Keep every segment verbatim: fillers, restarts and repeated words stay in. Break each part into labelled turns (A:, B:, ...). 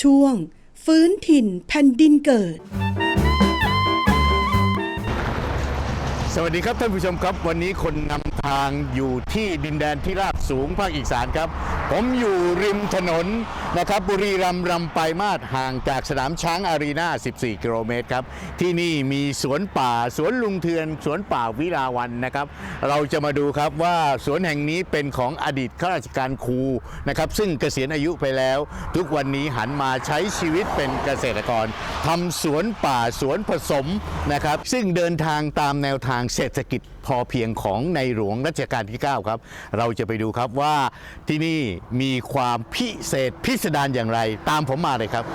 A: ช่วงฟื้นถิ่นแผ่นดินเกิด
B: สวัสดีครับท่านผู้ชมครับวันนี้คนนำทางอยู่ที่ดินแดนที่ราบสูงภาคอีสานครับผมอยู่ริมถนนนะครับบุรีรัมย์รำไปมาศห่างจากสนามช้างอารีนาสิบสี่กิโลเมตรครับที่นี่มีสวนป่าสวนลุงเทือนสวนป่าวิลาวันนะครับเราจะมาดูครับว่าสวนแห่งนี้เป็นของอดีตข้าราชการครูนะครับซึ่งเกษียณอายุไปแล้วทุกวันนี้หันมาใช้ชีวิตเป็นเกษตรกรทำสวนป่าสวนผสมนะครับซึ่งเดินทางตามแนวทางเศรษฐกิจพอเพียงของในหลวงรัชกาลที่เก้าครับเราจะไปดูครับว่าที่นี่มีความพิเศษพิสดารอย่างไรตามผมมาเลยครับ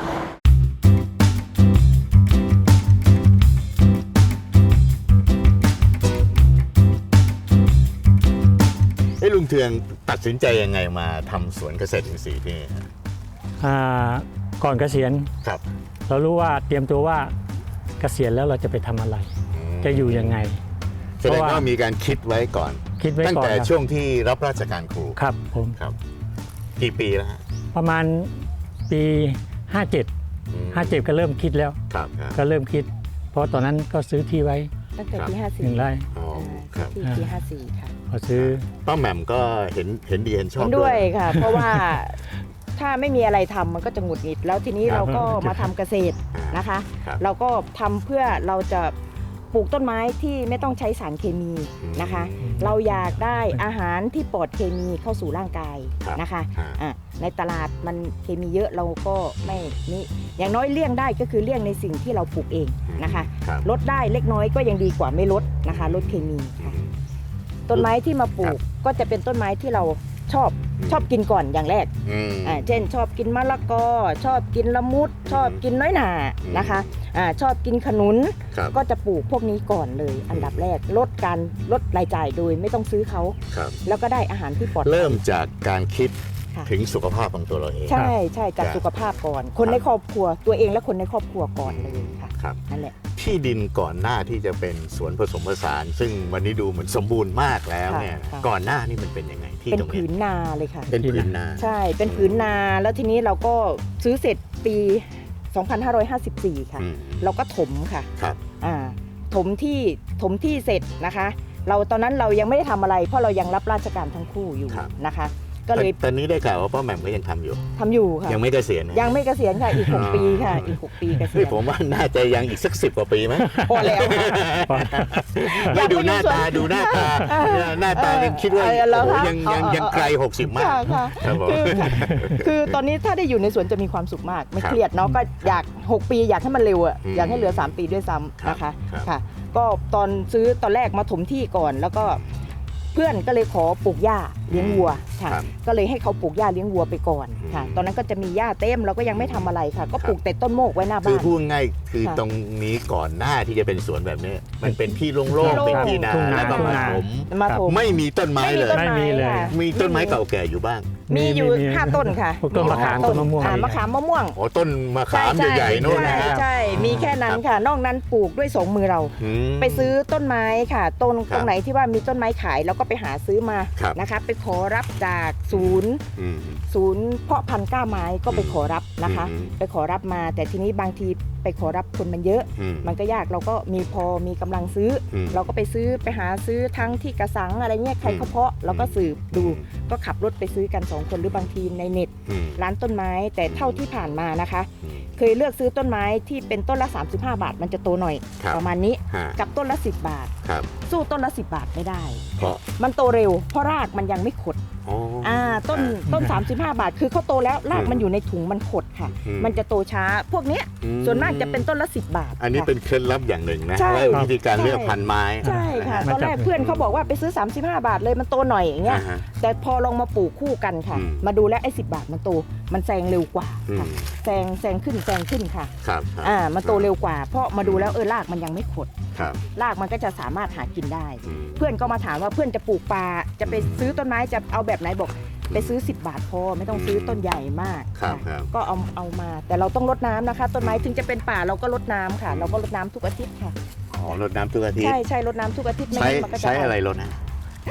B: ไอ้ลุงเทืองตัดสินใจยังไงมาทำสวนเกษตรอินทรีย์ที่นี่ครับ
C: อ่าก่อนเกษียณ
B: ครับ
C: เรารู้ว่าเตรียมตัวว่าเกษียณแล้วเราจะไปทำอะไรจะอยู่ยังไง
B: แสดงว่ามีการคิดไว้ก่อน
C: คิดไว้ก่อน
B: ตั้งแต่ช่วงที่รับราชการครู
C: ครับผม
B: ครับกี่ปีแล้วฮะ
C: ประมาณปีห้าเจ็ด ห้าเจ็ดก็เริ่มคิดแล้ว
B: ครับ
C: ก็เริ่มคิดเพราะตอนนั้นก็ซื้อที่ไว้
D: ตั้งแต่ปีห้าสี่
C: หนึ่งไร่
B: อ๋อครับ
D: ที่ปีห้าสี่ค่ะ
C: พอซื้อ
B: ป้าแหม่มก็เห็นเห็นดีเห็นชอบ
D: ด้วยค่ะเพราะว่าถ้าไม่มีอะไรทำมันก็จะหงุดหงิดแล้วทีนี้เราก็มาทำเกษตรนะคะเราก็ทำเพื่อเราจะปลูกต้นไม้ที่ไม่ต้องใช้สารเคมีนะคะเราอยากได้อาหารที่ปลอดเคมีเข้าสู่ร่างกายนะคะในตลาดมันเคมีเยอะเราก็ไม่นี่อย่างน้อยเลี่ยงได้ก็คือเลี่ยงในสิ่งที่เราปลูกเองนะคะลดได้เล็กน้อยก็ยังดีกว่าไม่ลดนะคะลดเคมีค่ะต้นไม้ที่มาปลูกก็จะเป็นต้นไม้ที่เราชอบชอบกินก่อนอย่างแรกอ่าเช่นชอบกินมะละกอชอบกินละมุดชอบกินน้อยหน่านะคะอ่าชอบกินขนุนก็จะปลูกพวกนี้ก่อนเลยอันดับแรกลดการลดรายจ่ายโดยไม่ต้องซื้อเขาแล้วก็ได้อาหารที่ปลอดภัย
B: เริ่มจากการคิดถึงสุขภาพของตัวเราเอง
D: ใช่ใช่จากสุขภาพก่อนคนในครอบครัวตัวเองและคนในครอบครัวก่อนเลยค่ะนั่นแหละ
B: ที่ดินก่อนหน้าที่จะเป็นสวนผสมผสานซึ่งวันนี้ดูเหมือนสมบูรณ์มากแล้วเนี่ยก่อนหน้านี่มันเป็นยังไงที่
D: เป็นผืนนาเลยค่ะ
B: เป็นผืนนา
D: ใช่เป็นผืนนาแล้วทีนี้เราก็ซื้อเสร็จปีสองพันห้าร้อยห้าสิบสี่ค่ะเราก็ถมค่ะ
B: ครับ
D: อ่าถมที่ถมที่เสร็จนะคะเราตอนนั้นเรายังไม่ได้ทำอะไรเพราะเรายังรับราชการทั้งคู่อยู่นะคะก็เลย
B: ตอนนี้ได้ข่าวว่าป้าแหม่มก็ยังทำอยู่
D: ทำอยู่ค่ะ
B: ยังไม่เกษียณ
D: ยังไม่เกษียณค่ะอีกหกปีค่ะอีกหกปีเกษียณ
B: ผมว่าน่าจะยังอีกสักสิบกว่าปีไหม
D: พอแล้ว
B: ไม่ดูหน้าตาดูหน้าตาหน้าตายังคิดว่ายังยังยังไกลหกสิบมาก
D: คือตอนนี้ถ้าได้อยู่ในสวนจะมีความสุขมากไม่เครียดเนาะก็อยากหกปีอยากให้มันเร็วอ่ะอยากให้เหลือสามปีด้วยซ้ำนะคะค่ะก็ตอนซื้อตอนแรกมาถมที่ก่อนแล้วก็เพื่อนก็เลยขอปลูกหญ้าเลี้ยงวัวค่ะก็เลยให้เขาปลูกหญ้าเลี้ยงวัวไปก่อนค่ะตอนนั้นก็จะมีหญ้าเต็มเราก็ยังไม่ทำอะไรค่ะก็ปลูกแต่ต้นโมกไว้หน้าบ้าน
B: คือพูดง่ายคือตรงนี้ก่อนหน้าที่จะเป็นสวนแบบนี้มันเป็นที่โล่งๆเป็นที่นาแล้วก็มาถมไม่มีต้นไม้เลย
C: ไม่มีเลย
B: มีต้นไม้เก่าแก่อยู่บ้าง
D: มีอยู่ห้าต้นค่ะ
C: ต้นมะขามต้นมะม่วง
D: มะขามมะม่วง
B: อ๋อต้นมะขามใหญ่ๆโน่นนะ
D: ใช่มีแค่นั้นค่ะนอกนั้นปลูกด้วยสองมือเราไปซื้อต้นไม้ค่ะต้นตรงไหนที่ว่ามีต้นไม้ขายเราก็ไปหาซื้อมานะคะไปขอรับจากศูนย์ศูนย์เพาะพันธุ์กล้าไม้ก็ไปขอรับนะคะไปขอรับมาแต่ทีนี้บางทีไปขอรับคนมันเยอะมันก็ยากเราก็มีพอมีกำลังซื้อเราก็ไปซื้อไปหาซื้อทั้งที่กระสังอะไรเงี้ยใครเขาเพาะเราก็สืบดูก็ขับรถไปซื้อกันสองคนหรือบางทีในเน็ตร้านต้นไม้แต่เท่าที่ผ่านมานะคะเคยเลือกซื้อต้นไม้ที่เป็นต้นละสามสิบห้าบาทมันจะโตหน่อยประมาณนี้กับต้นละสิบบาทสู้ต้นละสิบบาทไม่ได้มันโตเร็วเพราะรากมันยังไม่ขดอ่าต้นต้นสามสิบห้าบาทคือเขาโตแล้วรากมันอยู่ในถุงมันขดค่ะมันจะโตช้าพวกเนี้ยส่วนมากจะเป็นต้นละสิบบาท
B: อันนี้เป็นเคล็ดลับอย่างหนึ่งนะว่าวิธีการเลือกพันธุ์ไม้
D: ใช่ค่ะตอนแรกเพื่อนเขาบอกว่าไปซื้อสามสิบห้าบาทเลยมันโตหน่อยอย่างเงี้ยแต่พอลองมาปลูกคู่กันค่ะมาดูแล้วไอ้สิบบาทมันโตมันแซงเร็วกว่าค่ะแซงแซงขึ้นแซงขึ้นค่ะ
B: ครับ
D: อ่ามันโตเร็วกว่าเพราะมาดูแล้วเออรากมันยังไม่ขดรากมันก็จะสามารถหากินได้เพื่อนก็มาถามว่าเพื่อนจะปลูกปลาจะไปซื้อต้นไม้จะเอาแบบไหนบอกไปซื้อสิบบาทพอไม่ต้องซื้อต้นใหญ่มากก็เอาเอามาแต่เราต้องรดน้ำนะคะต้นไม้ถึงจะเป็นป่าเราก็รดน้ำค่ะเราก็รดน้ำทุกอาทิตย์ค่ะ
B: อ๋อรดน้ำทุกอาทิตย์
D: ใช่ใช่รดน้ำทุกอาทิตย์
B: ใช้ใช้อะไรรดนะ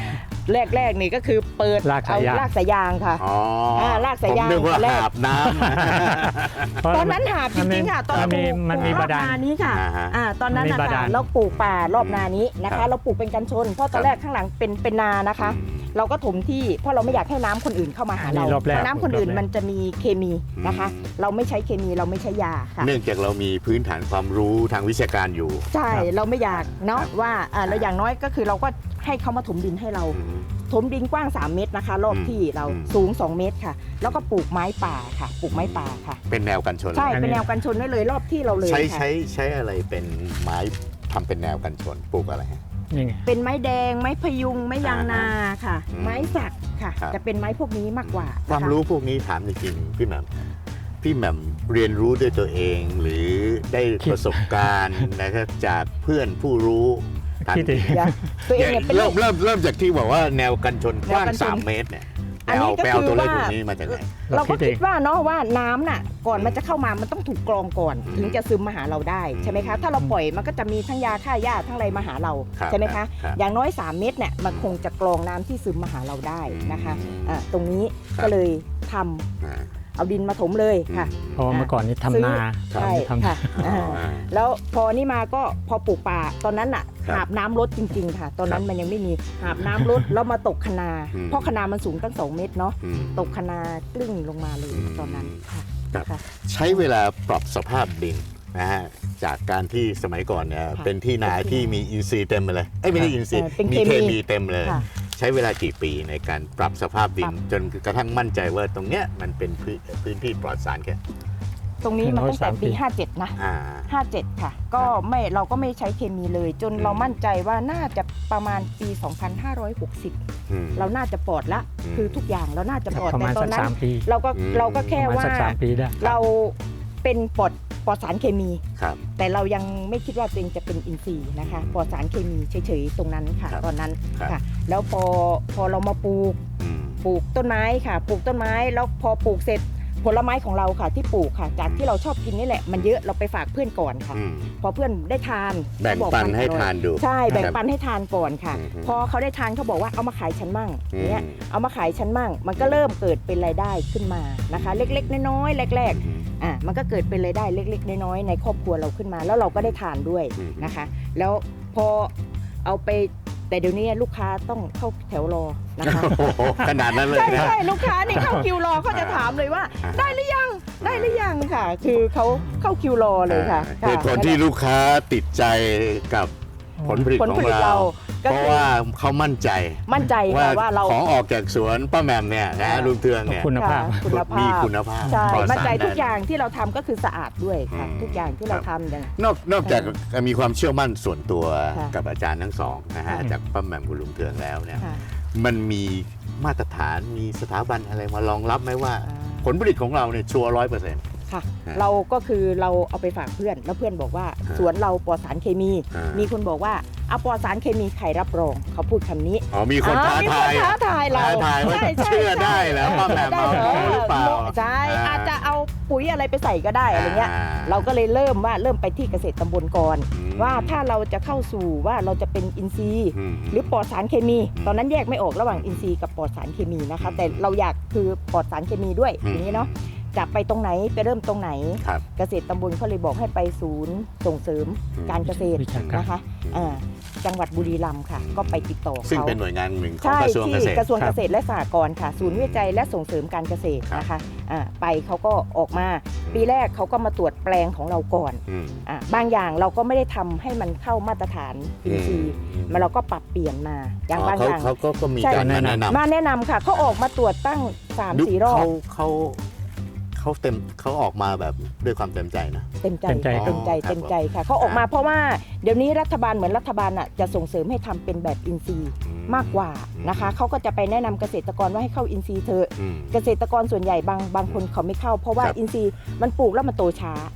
D: แรกๆนี่ก็คือเปิด
C: ลาก
D: เอา
C: สายยาง
D: ลากสายยางค่ะ
B: อ๋ออ่
D: าลากสายยาง
B: ผมนึกว่า
D: แรก
B: หาบน้ำ
C: เพราะ
D: ตอนนั้นหาบจริงๆค่ะตอน
C: มันมี
D: ปลูก
C: มันมี
D: ร
C: บา
D: อบ
C: ดาล
D: นานี้ค่ะ
B: อ่าฮะ
D: อ่าตอนนั้น
C: มันมี
D: นะ
C: บา
D: คะ
C: ดาล
D: เราปลูกป่ารอบนานี้นะ
B: ครั
D: คะ
B: บ
D: เราปลูกเป็นกันชน เพราะตอนแรกข้างหลังเป็นเป็นนานะคะ เราก็ถมที่เพราะเราไม่อยากให้น้ำคนอื่นเข้ามาหาเรา
C: อันนี้รอบแรก
D: เพราะน้ำคนอื่น
C: รอบแรก
D: มันจะมีเคมีนะคะ เราไม่ใช้เคมีเราไม่ใช้ยาค่ะ
B: เนื่องจากเรามีพื้นฐานความรู้ทางวิชาการอยู่
D: ใช่เราไม่อยากเนาะ
B: ครับ
D: ว่าอ่าเราอย่างน้อยก็คือเราก็ให้เขามาถมดินให้เรา
B: อืม
D: ถมดินกว้างสามเมตรนะคะ รอบ
B: อืม
D: ที่เรา
B: อืม
D: สูงสองเมตรค่ะ แล้วก็ปลูกไม้ป่าค่ะปลูกไม้ป่าค่ะ
B: เป็นแนวกันชน
D: ใช่
C: อันนี้
D: เป็นแนวกันชนไว้เลยรอบที่เราเลย
B: ใช้
D: ค่ะ
B: ใช้ใช้อะไรเป็นไม้ทำเป็นแนวกันชนปลูกอะไรฮะ
C: นี่ไง
D: เป็นไม้แดงไม้พยุงไม้ยางนาค่ะ
B: อืม
D: ไม้สักค่ะ
B: ครับ
D: จะเป็นไม้พวกนี้มากกว่านะคะ
B: ความรู้พวกนี้ถามจริงๆพี่แหม่มพี่แหม่มเรียนรู้ด้วยตัวเอง หรือได้ประสบการณ์ นะครับจากเพื่อนผู้รู้ถาม
C: คิด
B: จ
C: ดิ
B: ริง
D: เดี๋ยวตัวเองเนี่ยเป็น
B: เริ่มเริ่มเริ่มจากที่บอกว่าแนวกันชนกว้าง
D: แนวกันชน
B: สามเมตรเนี่ย
D: อันนี้
B: ไปเอา
D: ก็
B: ไปเอาตัวเลข
D: คือว่า
B: พวกนี้มาจากไหน
D: เราก็
C: เราคิดเอง
D: คิดว่าเนาะว่าน้ำน่ะก่อนมันจะเข้ามามันต้องถูกกรองก่อน
B: อืม
D: ถึงจะซึมมาหาเราได้ใช่ไหมคะถ้าเราปล่อยมันก็จะมีทั้งยาฆ่าหญ้าทั้งอะไรมาหาเรา
B: ครับ
D: ใช่ไหม
B: ครั
D: คะ
B: บครับ
D: อย่างน้อยสามเม็ดเนี่ยมันคงจะกรองน้ำที่ซึมมาหาเราได้นะคะ
B: อืม
D: อ่าตรงนี้
B: ครับ
D: ก็เลยทำ
B: อ่า
D: เอาดินมาถมเลยค่ะ
C: เพราะว่าเมื่อก่อนนี้ทำนา
D: ใช่
C: ทำ
D: ค่ะ
B: อ๋อ
D: อ่า
B: อ่า
D: แล้วพอนี่มาก็พอปลูกป่าตอนนั้นอ่ะ
B: ครับ
D: หาบน้ำลดจริง ๆ ค่ะ ตอนนั้น
B: ครับ
D: มันยังไม่มีหาบน้ำลด แล้วมาตกคะนา
B: อืม
D: เพราะคะนามันสูงตั้งสองเมตรเนาะ
B: อืม
D: ตกคะนากลิ้งลงมาเลย
B: อืม
D: ตอนนั้นค่ะ
B: ครับ
D: ค่ะ
B: ใช้เวลาปรับสภาพดินนะฮะจากการที่สมัยก่อนเนี่ย
D: ค่ะ
B: เป็นที่นา
D: เป็นที่
B: ที่มีอินทรีย์เต็มไปเลยเอ้ยไม่ได้อินทรีย์
D: เออเป็น
B: มี
D: เค
B: เค
D: มี
B: มีเต็มเลย
D: ค่ะ
B: ใช้เวลากี่ปีในการปรับสภาพดิ
D: ปรั
B: น
D: บ
B: จนกระทั่งมั่นใจว่าตรงเนี้ยมันเป็นพื้นพื้นที่ปลอดสารแค่
D: ตรงนี้มันตั้งแต่ปี ห้าเจ็ด นะ
B: อ่า
D: ห้าเจ็ด ค่ะ ก็ไม่เราก็ไม่ใช้เคมีเลย จน
B: อืม
D: เรามั่นใจว่าน่าจะประมาณปี สองพันห้าร้อยหกสิบ
B: อืม
D: เราน่าจะปลอดละ
B: อืม
D: คือทุกอย่างเราน่าจะปลอด
C: ประ
D: แต่
C: มาณ
D: ตอ
C: สั
D: น
C: ก
D: นั้น
C: สามปี
D: เราก็
B: อืม
D: เราก็แค่
C: ประมาณ
D: ว่า
C: สักสามปีได้
D: เราเป็นปลอดปลอดสารเคมี
B: ครับ
D: แต่เรายังไม่คิดว่าตัวเองจะเป็นอินทรีย์นะคะปลอดสารเคมีเฉยๆตรงนั้นค่ะ
B: ครับ
D: ตอนนั้น
B: ครับ
D: ค่ะ แล้วพอพอเรามาปลูก
B: อืม
D: ปลูกต้นไม้ค่ะ ปลูกต้นไม้แล้วพอปลูกเสร็จผลไม้ของเราค่ะ ที่ปลูกค่ะ จากที่เราชอบกินนี่แหละมันเยอะเราไปฝากเพื่อนก่อนค่ะ
B: อืม
D: พอเพื่อนได้ทาน
B: แบ่ง
D: เขาบอก
B: ปัน
D: มั
B: ให้
D: อร่อย
B: ทานดู
D: ใช่แบ่ง
B: ครับ
D: ปันให้ทานก่อนค่ะ
B: อืม
D: พอเขาได้ทานเขาบอกว่าเอามาขายฉันมั่ง
B: อืม
D: เนี่ยเอามาขายฉันมั่ง มันก็เริ่มเกิดเป็นรายได้ขึ้นมานะคะ เล็กๆน้อยๆแรก
B: อืม
D: ๆอ่ะมันก็เกิดเป็นรายได้เล็ก ๆ น้อยๆในครอบครัวเราขึ้นมา แล้วเราก็ได้ทานด้วย
B: อืม
D: นะคะ แล้วพอเอาไปแต่เดี๋ยวนี้ลูกค้าต้องเข้าแถวรอนะคะ
B: โอ้โหขนาดนั้นเลย
D: ใช่
B: นะ
D: ใช่ลูกค้านี่เข้าคิวรอเขาจะถามเลยว่า
B: อ่า
D: ได้หรือยังได้หรือยังค่ะ คือเขาเข้าคิวรอเลยค่ะ
B: เหตุผลที่ลูกค้าติดใจกับผลผลิต
D: ผล
B: ขอ
D: ผ
B: ง
D: ลิต
B: เรา
D: เราก็
B: เพราะ
D: คือ
B: ว่าเขามั่นใจ
D: มั่นใจ
B: ว่า
D: ค่ะว่าเรา
B: ของออกจากสวนป้าแหม่มเนี่ยนะ
D: อ่า
B: ลุงเทืองเนี่ย
C: คุณภาพ
D: ค่ะคุณภาพ
B: มีคุณภาพ
D: ใช่
B: ปลอด
D: มั่น
B: สาร
D: ใจทุก
B: แน่นน
D: อย่างที่เราทำก็คือสะอาดด้วยค่ะ
B: อืม
D: ทุกอย่างที่เราทำอย่าง
B: นอกนอกจากมีความเชื่อมั่นส่วนตัว
D: ค่ะ
B: กับอาจารย์ทั้งสองนะฮะ
C: ค่ะ
B: จากป้าแหม่มกับลุงเทืองแล้วเนี่ย
D: ค่ะ
B: มันมีมาตรฐานมีสถาบันอะไรมารองรับไหมว่า
D: อ่า
B: ผลผลิตของเราเนี่ยชัวร์ร้อยเปอร์เซ็นต์
D: ค่ะ
B: ฮะ
D: เราก็คือเราเอาไปฝากเพื่อน แล้วเพื่อนบอกว่า
B: ฮะ
D: สวนเราปลอดสารเคมี
B: อ่ามี
D: มีคนบอกว่าเอาปลอดสารเคมีใครรับรองเขาพูดคำนี้
B: อ๋อมีคนท้า
D: อ่มี
B: ทาย
D: คนท้าทายเรา
B: ท้าทายว่า
D: ใช่ใช่
B: เชื่อได้แล้ว
D: ใช่
B: ป้าแหม่ม
D: ได้
B: เอาหรือเปล่า
D: ใช่
B: อ่า
D: อาจจะเอาปุ๋ยอะไรไปใส่ก็ได้อะไรเงี้ย
B: อ่า
D: เราก็เลยเริ่มว่าเริ่มไปที่เกษตรตำบลก่อน
B: อืม
D: ว่าถ้าเราจะเข้าสู่ว่าเราจะเป็นอินทรีย์
B: อืม
D: หรือปลอดสารเคมี
B: อืม
D: ตอนนั้นแยกไม่ออกระหว่างอินทรีย์กับปลอดสารเคมีนะคะ แต่เราอยากคือปลอดสารเคมีด้วย
B: อืม
D: อย่างนี้เนาะจะไปตรงไหนไปเริ่มตรงไหน
B: ครับ
D: เกษตรตำบลเขาเลยบอกให้ไปศูนย์ส่งเสริม
B: อืม
D: การเกษตร
C: วิชาการ
D: นะคะอ่าจังหวัดบุรีรัมย์ค่ะ ก็ไปติดต่อ
B: ซึ่ง
D: เขา
B: เป็นหน่วยงานหนึ่งของ
D: ใช่
B: กระทรวงเก
D: ที่
B: ษตร
D: กระทรวง
C: ครั
D: เก
C: บ
D: ษตรและสหกรณ์ค่ะ ศูนย์วิจัยและส่งเสริมการเกษตร
B: ครับ
D: นะคะอ่าไปเขาก็ออกมา ปีแรกเขาก็มาตรวจแปลงของเราก่อน
B: อืม
D: อ่าบางอย่างเราก็ไม่ได้ทำให้มันเข้ามาตรฐานอินทรีย์
B: อืม
D: มันเราก็ปรับเปลี่ยนมาอย่างบาง
B: เขา
D: อย่าง
B: เขาก็ก็มี
D: ใช่
B: การมาแนะนำ
D: มาแนะนำค่ะเขาออกมาตรวจตั้งสาม
B: ดู
D: สี่รอบ
B: เขาเขาเขาเต็มเขาออกมาแบบด้วยความเต็มใจนะ
D: เต็มใจ
C: เต็มใจ
D: เต็มใจ
B: ครับ
D: เต็มใจค่ะเขาออกมาเพราะว่าเดี๋ยวนี้รัฐบาลเหมือนรัฐบาลอ่ะจะส่งเสริมให้ทำเป็นแบบอินทรีย์
B: อื
D: มากกว่านะคะเขาก็จะไปแนะนำเกษตรกรว่าให้เข้าอินทรีย์เถอะ
B: อืม
D: เกษตรกรส่วนใหญ่บางบางคนเขาไม่เข้า เพราะว่า
B: ครับ
D: อินทรีย์มันปลูกแล้วมันโตช้า
B: อืม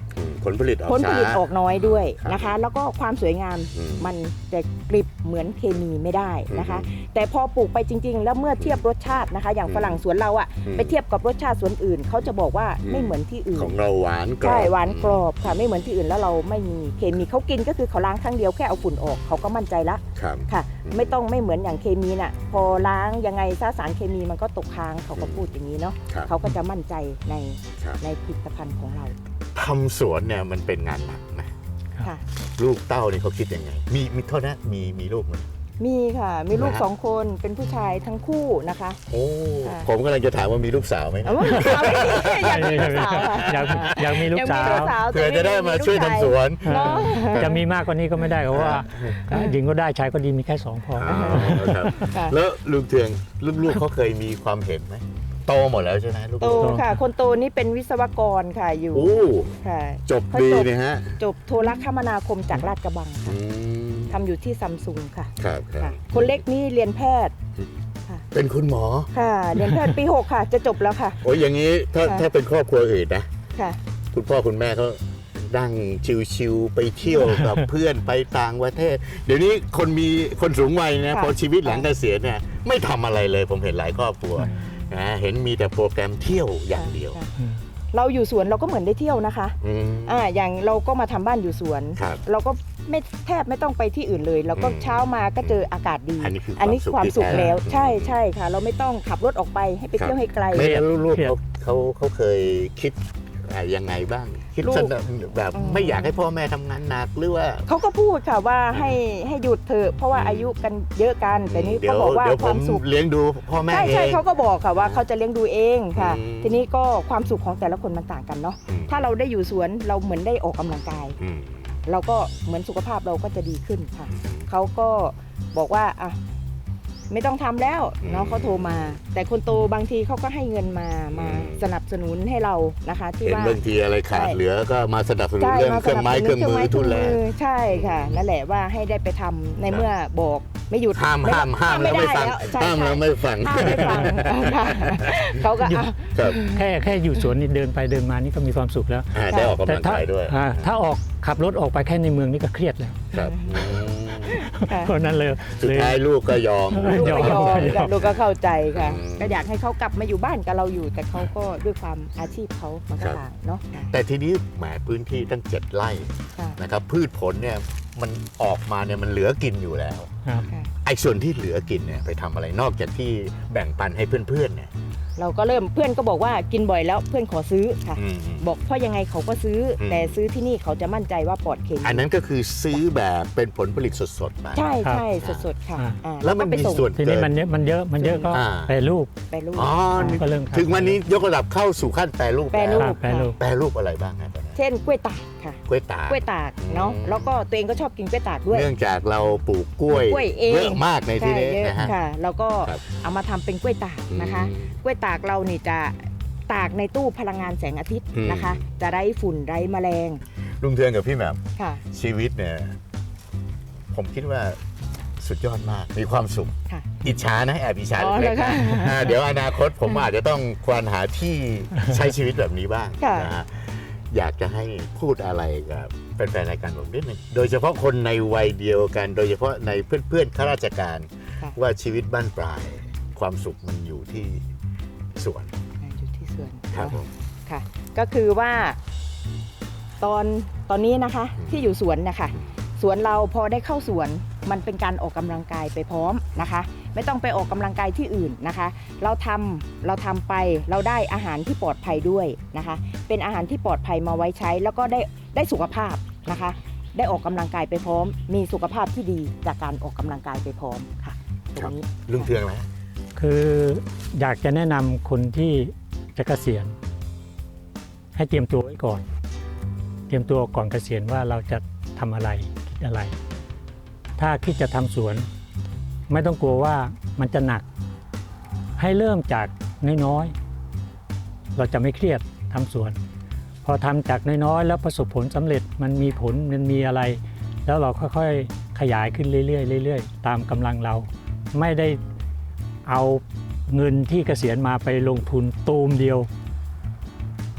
B: ผลผลิตออก
D: ผลผลิต
B: ช้า
D: ออกน้อยด้วย
B: ครับ
D: นะคะ แล้วก็ความสวยงาม
B: อืม
D: มันจะกริบเหมือนเคมีไม่ได้นะคะ
B: อืม
D: แต่พอปลูกไปจริง ๆ แล้วเมื่อเทียบรสชาตินะคะ อย่าง
B: อืม
D: ฝรั่งสวนเราอะ
B: อืม
D: ไปเทียบกับรสชาติสวนอื่นเขาจะบอกว่า
B: อืม
D: ไม่เหมือนที่อื่น
B: ของเราหวานกรอบ
D: ใช่หวานกรอบค่ะไม่เหมือนที่อื่นแล้วเราไม่มีเคมีเขากินก็คือเขาล้างครั้งเดียวแค่เอาฝุ่นออกเขาก็มั่นใจละ
B: ครับ
D: ค่ะ
B: อืม
D: ไม่ต้องไม่เหมือนอย่างเคมีน่ะพอล้างยังไงซาสารเคมีมันก็ตกค้างเขาก็
B: อืม
D: พูดอย่างนี้เนาะ
B: ครับ
D: เขาก็จะมั่นใจใน
B: ครับ
D: ในผลิตภัณฑ์ของเรา
B: ทำสวนเนี่ยมันเป็นงานหนักนะ
D: ค่ะ
B: ลูกเต้าเนี่ยเขาคิดยังไง มีมีโทษนะมีมีลูกไหม
D: มีค่ะ มีลูก
B: นะฮะ
D: สองคนเป็นผู้ชายทั้งคู่นะคะ
B: โอ้
D: ค่ะ
B: ผมกำลังจะถามว่ามีลูกสาวไหม
D: เอาว่าไม่มีอยากมีลูกสาวค่ะ
C: อยากอยากมีลูกสาว
D: อยกมีลูกสาว
B: เผื่อจะได้มาช่วยทำสวน
D: เนาะ
C: จะมีมากกว่านี้ก็ไม่ได้เพราะว่าหญิงก็ได้ชายก็ดีมีแค่สองพอ
B: อ๋อครับ
D: ค่ะ
B: แล้วลุงเทืองลูกๆเขาเคยมีความเห็นไหมโตหมดแล้วใช่ไหมลูกๆ
D: โตค่ะ คนโตนี่เป็นวิศวกรค่ะอยู่
B: โอ้
D: ค่ะ
B: จบ
D: เขา
B: ดี
D: จบ
B: นะฮะ
D: จบโทรคมนาคมจากลาดกระบัง
B: อื
D: ค่ะ
B: ม
D: ทำอยู่ที่ซัมซุงค่ะ
B: ครับครั
D: ค่ะ
B: บ
D: คนเล็กนี่เรียนแพทย์ค่ะ
B: เป็นคุณหมอ
D: ค่ะ เรียนแพทย์ปีหกค่ะ จะจบแล้วค่ะ
B: โอ้ยอย่างนี้ถ้า
D: ค่ะ
B: ถ้าเป็นครอบครัวอื่นนะ
D: ค่ะ
B: คุณพ่อคุณแม่เขาดั่งชิวๆไปเที่ยวกับ เพื่อนไปต่างประเทศ เดี๋ยวนี้คนมีคนสูงวัยนะ
D: ค่ะ
B: พอชีวิตหลังเกษียณเนี่ยไม่ทำอะไรเลยผมเห็นหลายครอบครัวนะเห็นมีแต่โปรแกรมเที่ยวอย่างเดียว
D: ค่ะเราอยู่สวนเราก็เหมือนได้เที่ยวนะคะ
B: อืม
D: อ่าอย่างเราก็มาทำบ้านอยู่สวน
B: ครับ
D: เราก็ไม่แทบไม่ต้องไปที่อื่นเลย เราก็
B: อืม
D: เช้ามาก็เจออากาศดี
B: อันนี้คือ
D: อันนี้
B: ความสุข
D: ความสุข
B: ที่แท้
D: แล้ว
B: อืม
D: ใช่ใช่ค่ะ เราไม่ต้องขับรถออกไปให้ไปเที่ยวให้ไกล
B: ไม่รู้ลูก
C: เครียด
B: เขาเขาเขาเคยคิดอ่ายังไงบ้าง คิด
D: ลูก
B: สนแบบ
D: อืม
B: ไม่อยากให้พ่อแม่ทำงานหนักหรือว่า
D: เขาก็พูดค่ะว่าให้ให้หยุดเถอะเพราะว่าอายุกันเยอะกัน แต่นี่
B: เดี๋ย
D: เขา
B: ว
D: บอกว่า
B: เดี๋ยว
D: ค
B: ผ
D: วาม
B: ม
D: สุข
B: เลี้ยงดูพ่อแม่
D: ใช่
B: เอ
D: ใช่
B: ง
D: เขาก็บอกค่ะว่าเขาจะเลี้ยงดูเองค่ะ
B: อืม
D: ทีนี้ก็ความสุขของแต่ละคนมันต่างกันเนาะ
B: อืม
D: ถ้าเราได้อยู่สวนเราเหมือนได้ออกกำลังกาย
B: อืม
D: เราก็เหมือนสุขภาพเราก็จะดีขึ้นค่ะ เขาก็บอกว่าอ่ะไม่ต้องทำแล้ว
B: อืม
D: เนาะเขาโทรมา แต่คนโตบางทีเขาก็ให้เงินมามา
B: อืม
D: สนับสนุนให้เรานะคะ ที่
B: เห็น
D: ว่า
B: บางทีอะไรขาด
D: ใช่
B: เหลือก็มาสนับสนุน
D: ใช่
B: เรื่อง
D: มา
B: เครื่องไม้เครื่องมือทุนแรง
D: ใช่ค่ะ นั่นแหละว่าให้ได้ไปทำในเมื่อบอกไม่หยุด
B: ห้ามห้ามห้ามแล้วไม่ฟัง
D: ใช่
B: ห้ามแล้ว
D: ใช่
B: ไม่ฟัง
D: ห้ามไม่ฟังค่ะเขาก็อ่ะ
B: ครับ
C: แค่แค่อยู่สวนนี่เดินไปเดินมานี่ก็มีความสุขแล้ว
B: อ่าได้ออกกำ
C: แต่
B: ลัง
C: ถ้าก
B: ายด้วย
C: อ่าถ้าออกขับรถออกไปแค่ในเมืองนี่ก็เครียดแล้ว
B: ครับอืม
D: ค่ะ
C: เพราะนั้นเลย
B: สุดท้ายลูกก็ยอม
D: ลูกก็ยอม
C: ยอม
D: ค่ะลูกก็เข้าใจค่ะ
B: อืม
D: ก็อยากให้เขากลับมาอยู่บ้านกับเราอยู่ แต่เขาก็ด้วยความอาชีพเขามันก็
B: ครับ
D: ต่างเนาะ
B: แต่ทีนี้แหมพื้นที่ตั้งเจ็ดไร่
D: ค่ะ
B: นะครับพืชผลเนี่ยมันออกมาเนี่ยมันเหลือกินอยู่แล้ว
C: ครับ
D: ค่ะ
B: ไอ้ส่วนที่เหลือกินเนี่ยไปทำอะไรนอกจากที่แบ่งปันให้เพื่อนๆเนี่ย
D: เราก็เริ่มเพื่อนก็บอกว่ากินบ่อยแล้วเพื่อนขอซื้อค่ะ
B: อืม
D: บอกเพราะยังไงเขาก็ซื้ออ
B: ม
D: แต่ซื้อที่นี่เขาจะมั่นใจว่าปลอดเคมี
B: อันนั้นก็คือซื้อแบบเป็นผลผลิตสดๆมา
D: ใช่
C: ครับ
D: ใช่สดๆค่ะ
C: อ่า
D: อ่า
B: แล้วมัน
D: ก็ไป
B: มี
D: ส่ง
B: ส่วน
C: ที
B: เกิ
C: นี้
B: น
C: มันเยอะมันเยอะมันเยอะก็
B: อ่า
C: แปรรูป
D: ไปลูก
B: อ๋อ
C: ก็เริ่ม
B: ถึงวันนี้ยกระดับเข้าสู่ขั้นแปรรูป
D: แปรรู
B: ล้ว
C: ครับแปรรูป
B: แปรรูปอะไรบ้างครับตอนนี้
D: เช่นกล้วยตากค่ะ
B: กล้วยตาก
D: กล้วยตากเนาะ
B: อืม
D: แล้วก็ตัวเองก็ชอบกินกล้วยตากด้วย
B: เนื่องจากเราปลูกกล้วย
D: กล้วยเอง
B: เยอะมากในที่
D: ใช่
B: นี้
D: เยอะ
B: นะฮะ
D: ค่ะ แล้วก็
B: ครับ
D: เอามาทำเป็นกล้วยตากนะคะ
B: อืม
D: กล้วยตากเรานี่จะตากในตู้พลังงานแสงอาทิตย์
B: อืม
D: นะคะ จะไร้ฝุ่นไร้แมลง
B: ลุงเทืองกับพี่แหม่ม
D: ค่ะ
B: ชีวิตเนี่ยผมคิดว่าสุดยอดมากมีความสุข
D: ค่ะ
B: อิจฉานะแอบอิจฉา
D: อ๋อ
B: เล็ก
D: เหรอ
B: ๆ
D: คะ
B: นะอ่าเดี๋ยวอนาคตผมอาจจะต้องควานหาที่ใช้ชีวิตแบบนี้บ้าง
D: ค่ะ
B: นะฮะอยากจะให้พูดอะไรกับแฟนๆรายการผมนิดนึงโดยเฉพาะคนในวัยเดียวกัน โดยเฉพาะในเพื่อนๆข้าราชการ
D: ค่ะ
B: ว่าชีวิตบ้านปลาย ความสุขมันอยู่ที่สวน
D: อยู่ที่สวน
B: ครับผม
D: ค่ะ ก็คือว่าตอนตอนนี้นะคะ
B: อืม
D: ที่อยู่สวนนะคะสวนเราพอได้เข้าสวนมันเป็นการออกกำลังกายไปพร้อมนะคะ ไม่ต้องไปออกกำลังกายที่อื่นนะคะ เราทำเราทำไปเราได้อาหารที่ปลอดภัยด้วยนะคะ เป็นอาหารที่ปลอดภัยมาไว้ใช้ แล้วก็ได้ได้สุขภาพนะคะ ได้ออกกำลังกายไปพร้อม มีสุขภาพที่ดีจากการออกกำลังกายไปพร้อมค่ะตรงนี้
B: ลุงเทืองนะ
C: คืออยากจะแนะนำคนที่จะเกษียณให้เตรียมตัวไว้ก่อน เตรียมตัวก่อนเกษียณว่าเราจะทำอะไรคิดอะไร ถ้าคิดจะทำสวนไม่ต้องกลัวว่ามันจะหนัก ให้เริ่มจากน้อยๆเราจะไม่เครียดทำสวน พอทำจากน้อยๆแล้วประสบผลสำเร็จมันมีผลมันมีอะไร แล้วเราค่อยๆขยายขึ้นเรื่อยๆเรื่อยๆตามกำลังเราไม่ได้เอาเงินที่เกษียณมาไปลงทุนตูมเดียว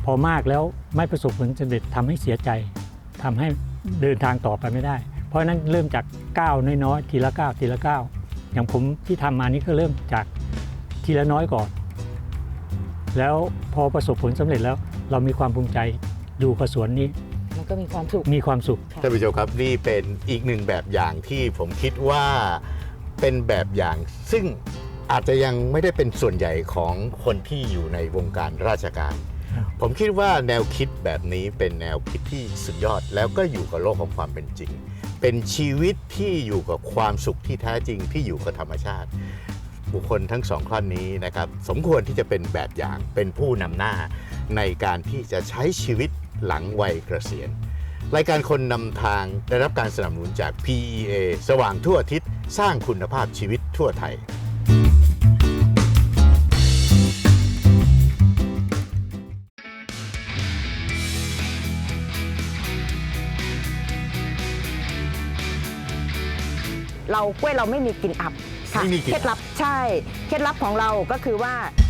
C: พอมากแล้วไม่ประสบผลสำเร็จทำให้เสียใจทำให้เดินทางต่อไปไม่ได้ เพราะฉะนั้นเริ่มจากก้าวน้อยๆทีละก้าวทีละก้าวอย่างผมที่ทำมานี้ก็เริ่มจากทีละน้อยก่อน แล้วพอประสบผลสำเร็จแล้วเรามีความภูมิใจอยู่กับสวนนี้
D: มันก็มีความสุข
C: มีความสุข
B: ท่านผู้ชมครับนี่เป็นอีกหนึ่งแบบอย่างที่ผมคิดว่าเป็นแบบอย่างซึ่งอาจจะยังไม่ได้เป็นส่วนใหญ่ของคนที่อยู่ในวงการราชการ
C: ครับ
B: ผมคิดว่าแนวคิดแบบนี้เป็นแนวคิดที่สุดยอดแล้วก็อยู่กับโลกของความเป็นจริง เป็นชีวิตที่อยู่กับความสุขที่แท้จริงที่อยู่กับธรรมชาติ บุคคลทั้งสองท่านนี้นะครับสมควรที่จะเป็นแบบอย่างเป็นผู้นำหน้าในการที่จะใช้ชีวิตหลังวัยเกษียณ รายการคนนำทางได้รับการสนับสนุนจาก พี อี เอ สว่างทั่วอาทิศสร้างคุณภาพชีวิตทั่วไทย
D: เรากล้วยเราไม่มีกลิ่นอับค่ะ
B: ไม่มีกลิ่น
D: เคล็ดลับใช่เคล็ดลับของเราก็คือว่า